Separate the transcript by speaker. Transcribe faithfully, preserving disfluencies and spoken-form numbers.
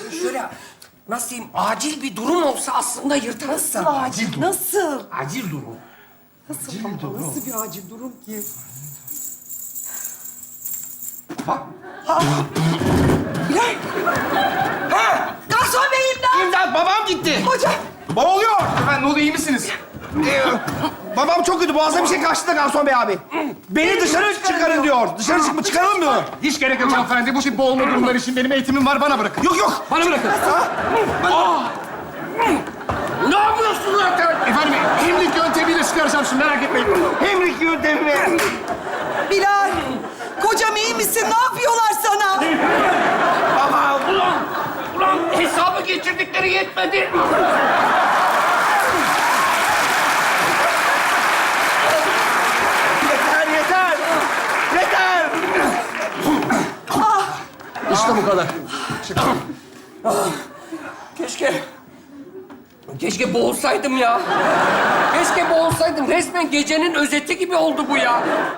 Speaker 1: şöyle nasıl diyeyim acil bir durum olsa aslında yırtarızsa.
Speaker 2: Acil durum. Nasıl?
Speaker 1: Acil durum.
Speaker 2: Nasıl ama? Nasıl bir acil durum ki?
Speaker 1: Bak.
Speaker 2: Bilal! Ha! Garson bey imdat!
Speaker 3: İmdat, babam gitti.
Speaker 2: Hocam!
Speaker 3: Baba oluyor. Efendim, ne oluyor, iyi misiniz? Ee, babam çok kötü, boğazına bir şey kaçtı da garson bey abi. Beni dışarı çıkarın diyor. Dışarı çıkma, çıkaralım diyor.
Speaker 4: Hiç gerek yok hanımefendi. Bu tip boğulma durumları için benim eğitimim var. Bana bırakın.
Speaker 3: Yok yok.
Speaker 4: Bana bırakın.
Speaker 1: Ne yapıyorsun zaten?
Speaker 4: Efendim, hemlik yöntemiyle çıkaracağım şimdi. Merak etmeyin.
Speaker 3: Hemlik yöntemi.
Speaker 2: Bilal! Kocam iyi misin? Ne yapıyorlar sana?
Speaker 1: Baba ulan, ulan hesabı geçirdikleri yetmedi.
Speaker 3: Yeter, yeter. Yeter.
Speaker 4: İşte bu kadar.
Speaker 1: Keşke, keşke boğulsaydım ya. Keşke boğulsaydım. Resmen gecenin özeti gibi oldu bu ya.